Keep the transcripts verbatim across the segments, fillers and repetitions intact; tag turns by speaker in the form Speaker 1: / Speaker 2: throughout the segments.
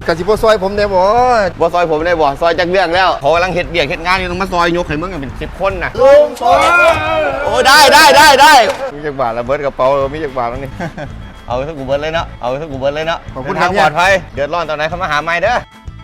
Speaker 1: กะสิบ่ซอยผมได้บ่
Speaker 2: บ่ซอยผมได้บ่ซอยจักเรื่องแล้วเขากำลังเฮ็ดเบียกเฮ็ดงานอยู่ต้องมาซอยยกให้มึงกันเป็นสิบคนน่ะ
Speaker 1: ลุงซอย
Speaker 2: โอ้ได้ได้ได้ได้มีจักบาทละเบิดกระเป๋ามีจักบาทแล้วนี่เอาสักกูเบิดเลยเนาะเอาสักกูเบิดเลยเนาะ
Speaker 1: ขอบคุณครับ
Speaker 2: ปลอดภัยเดือดร้อนตอนไหนเขามาหาใหม่เด้อ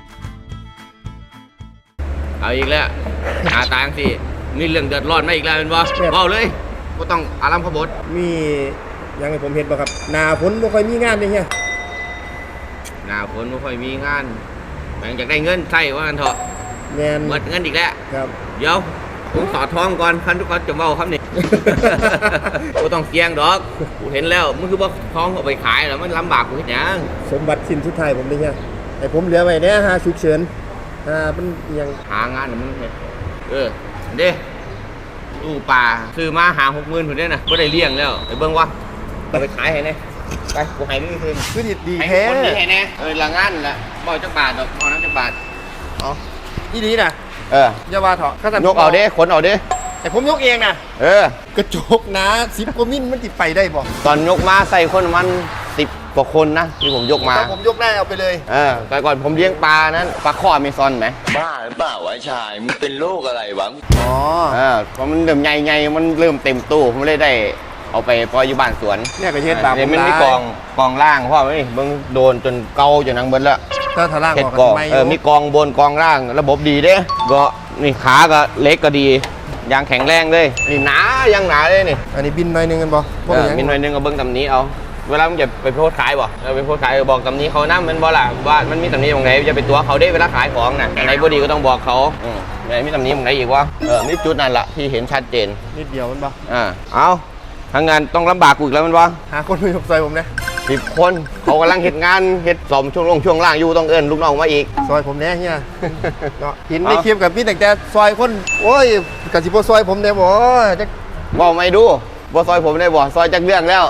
Speaker 2: เอาอีกแล้วหาตังค์สิมีเรื่องเดือดร้อนมาอีกแล้วเป็นบ่เอาเลยบ่ต้องอารมณ์ขบถ
Speaker 1: มียังให้ผมเห็นบ่ครับหน้าฝนบ่ค่อยมีงานเลยเฮีย
Speaker 2: หน้าฝนบ่ค่อยมีงานแม่งอยากได้เงินใช่ว่ากันเถอะ
Speaker 1: แม่น
Speaker 2: หมดเงินอีกแล้ว
Speaker 1: ครับ
Speaker 2: เดี๋ยวผมสอดท้องก่อนคันทุกคนจะเมาครับนี่กูต้องเสี่ยงดอกกูเห็นแล้วมึงคือว่าท้องเอาไปขายแล้วมันลำบากกูเห็นยัง
Speaker 1: สมบัติสิ้นสุดท้ายผมเลยเฮียไอ้ผมเหลือไว้เนี่ยหาฉุกเฉินอ่ามันยัง
Speaker 2: หางานมึงเออเด้ดูป่าซื้อมาหาหกหมื่นคนเด้นะไม่ได้เลี้ยงแล้วไปเบิ้งวะเอาไปขายให้แน่ไปกูให้มึงคืน
Speaker 1: คือดีดีแท้
Speaker 2: คนดีให้แน่เออละงานละบ่อยจักบาทดอกบ่อน้ำจักบาท
Speaker 1: อ๋อที่นี้นะ
Speaker 2: เออ
Speaker 1: อย่าว่าเถอะ
Speaker 2: ยกเอาเด้ขนเอาเด้
Speaker 1: แต่ผมยกเองนะ
Speaker 2: เออก
Speaker 1: ระจกนะสิบกว่ามิลมันติดไปได้บ่
Speaker 2: ตอนยกมาใส่คนมันสิบกว่าคนนะที่ผมยกมา
Speaker 1: ถ้าผมยกได้เอาไปเลย
Speaker 2: เออแต่ก่อนผมเลี้ยงปลานั้นปลาข้ออเมซอนไหม
Speaker 3: บ้าหรือเปล่าวะชายมึงเป็นโรคอะไรวะ
Speaker 1: อ๋อ
Speaker 2: เออพอมันเริ่มใหญ่ๆมันเริ่มเต็มตู้ผมเลยได้เอาไปปล่อยอยู่บ้านสวน
Speaker 1: เนี่ยก็เช็ดบาปผม
Speaker 2: มันมีกองกองล่างเพราะว่ามึงโดนจนเกาจนนังเบิ้ลละ
Speaker 1: ถ้าทาล่างออก
Speaker 2: กองเออมีกองบนกองล่างระบบดีเด้ก็นี่ขาก็เล็กก็ดียางแข็งแรงเลยนี่หนายังหนาเลยนี่
Speaker 1: อันนี้บินหน่อยนึงกันบ่
Speaker 2: บินหน่อยนึงก็เบิ้งตำนี้เอาเวลามึงจะไปโพสขายบ่เราไปโพสขายบอกตำนี้เขาน้ำมันบ่ล่ะว่ามันมีตำนี้ตรงไหนจะไปตัวเขาได้เวลาขายของน่ะไหนบ่ดีก็ต้องบอกเขาอืมไหนมีตำนี้ตรงไหนอีกวะเออมีจุดนั่นแหละที่เห็นชัดเจน
Speaker 1: นิดเดียวมันบ่
Speaker 2: อ่าเอาทางงานต้องลำบากกูอีกแล้วมันวะ
Speaker 1: หาคนมายกซอยผมนะ
Speaker 2: สิบคนเขากำลังเห็นงานเห็ดสมช่วงลงช่วงล่างอยู่ต้องเอิญลูกน้องมาอีก
Speaker 1: ซอยผมแน่เฮียเนาะเห็นในคลิปกับพี่แต่แต่ซอยคนโอ้ยกะสิบ่ซอยผมได้บ่จัก
Speaker 2: บอกไม่ดูบ่ซอยผมได้บ่ซอยจักเรื่องแล้ว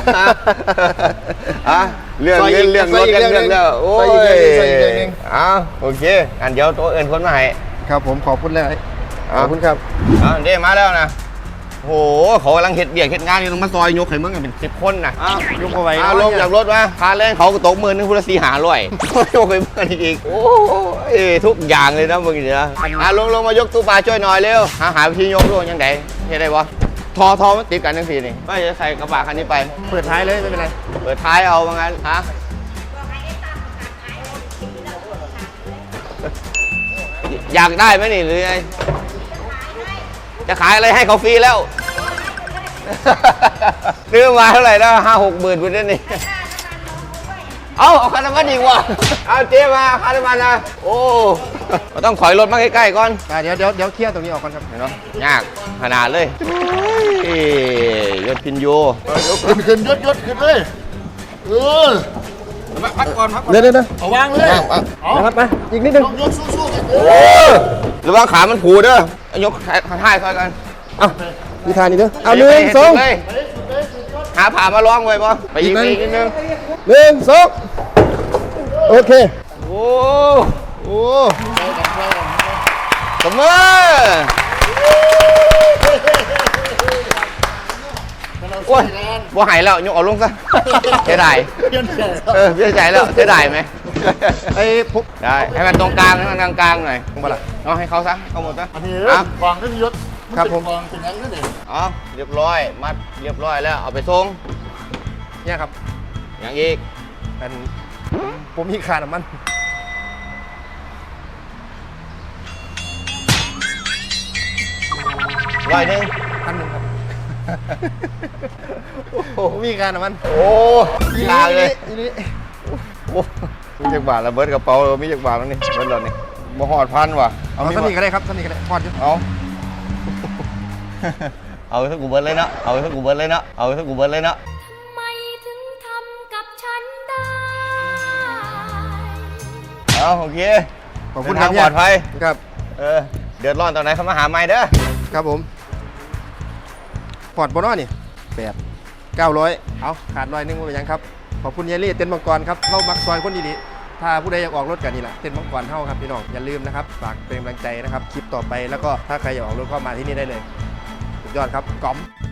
Speaker 2: อะเรื่องเงินเรื่องรถเรื่องเรื่องแล้วโอ้ยอ้าวโอเคอันเดี๋ยวตัวเอิญคนมาให้
Speaker 1: ครับผมขอบคุณเลยขอบคุณครับ
Speaker 2: อ่าเด้มาแล้วนะโอ้โหเขากำลังเห็ดเบียกเห็ดงานอยู่ต้องมาซอยยกให้มึงกันเป็นสิบคนนะ
Speaker 1: ยกเอาไว้
Speaker 2: ลงจากรถมาพาแรงเขาตกมือนึงพุทธศีหาร่อยยกให้มึงอีกโอ้ยทุกอย่างเลยนะมึงเนี่ยอ่ะลงลงมายกตู้ปลาช่วยหน่อยเร็วหาหาวิธียกด้วยยังไงเห็นได้ปะทอทอมันติดกันทั้งทีนี่ไม่จะใส่กระบะคันนี้ไป
Speaker 1: เปิดท้ายเลยไม่เป็นไร
Speaker 2: เปิดท้ายเอาว่างั้นฮะอยากได้ไหมนี่หรือไงจะขายอะไรให้เขาฟรีแล้วซื้อมาเท่าไหร่แล้วห้าหกหมื่นบุญนี่เอาเอาค่าน้ำมันอีกว่ะเอาเจ๊มาค่าน้ำมันนะโอ้ต้องถอยรถมาใกล้ๆก่อน
Speaker 1: เดี๋ยวเดี๋ยวเดี๋ยวเคลียร์ตรงนี้ออกก่อนครับ
Speaker 2: เห็นไหมยากขนาดเลยยศพินโย
Speaker 1: ขึ้นขึ้นยศยศขึ้นเลยเออพักก่อนพักก่อนเดี๋ยวเดี๋ยวเอาวางเลยนะครับมาอีกนิดนึงยกสู้
Speaker 2: ๆหรือว่าขามันผูเด้อยกท้ายซอยกัน
Speaker 1: เอาวิธานี้เด้อเอาหนึ่งสอง
Speaker 2: หาผ่ามาล้องไว้ป่ะไปอีกนิดนึง
Speaker 1: หนึ่งสองโอเค
Speaker 2: โอ้
Speaker 1: โอ้
Speaker 2: สมอโอ้ยบ่หายแล้วยกเอาลงซะเสียดายเออเสียใจแล้วเสียดายไหม
Speaker 1: ไอ้ปุ๊บ
Speaker 2: ได้ให้มันตรงกลางให้มันกลางกลางหน่อยตรงบ้านเอาให้เขาซะเขาหมดซะ
Speaker 1: อันนี้กองก็ยศครับผมกองเป็นยังนั่นเอง
Speaker 2: อ๋อเรียบร้อยมัดเรียบร้อยแล้วเอาไปส่ง
Speaker 1: เนี่ยครับ
Speaker 2: อย่างอีก
Speaker 1: เป็นผมมีขาน้ำมัน
Speaker 2: ร้อยหนึ่ง
Speaker 1: พันหนึ่งครับโอ้มีการน้ำมัน
Speaker 2: โอ้ยลาเลย
Speaker 1: อีนี้
Speaker 2: โอ้มีจักบาทระเบิดกระเป๋ามีจักบาทแล้วนี่เบิดแล้วนี่บ่หอดพันว่ะ
Speaker 1: เอาสนิทกันเลยครับสนิทกันเลยพอดจุด
Speaker 2: เอาเอาสักกูเบิร์ดเลยเนาะเอาสักกูเบิร์ดเลยเนาะเอาสักกูเบิร์ดเลยเนาะ
Speaker 4: ทำไมถึงทำกับฉันได้
Speaker 2: เอาโอเค
Speaker 1: ขอบคุณครับ
Speaker 2: ปลอดภัย
Speaker 1: ครับ
Speaker 2: เออเดือดร้อนตอนไหนเขามาหาใหม่เด้อ
Speaker 1: ครับผมปอดบนอ้อนี่แปดเก้าร้อยเอาขาดร้อยนึงว่าเป็นยังครับขอบคุณเยลลี่เต้นมังกรครับเข้ามักซอยคนดีๆถ้าผู้ใดอยากออกรถกันนี่แหละเต้นมังกรเท่าครับพี่น้องอย่าลืมนะครับฝากเป็นกำลังใจนะครับคลิปต่อไปแล้วก็ถ้าใครอยากออกรถก็มาที่นี่ได้เลยสุดยอดครับก๋อม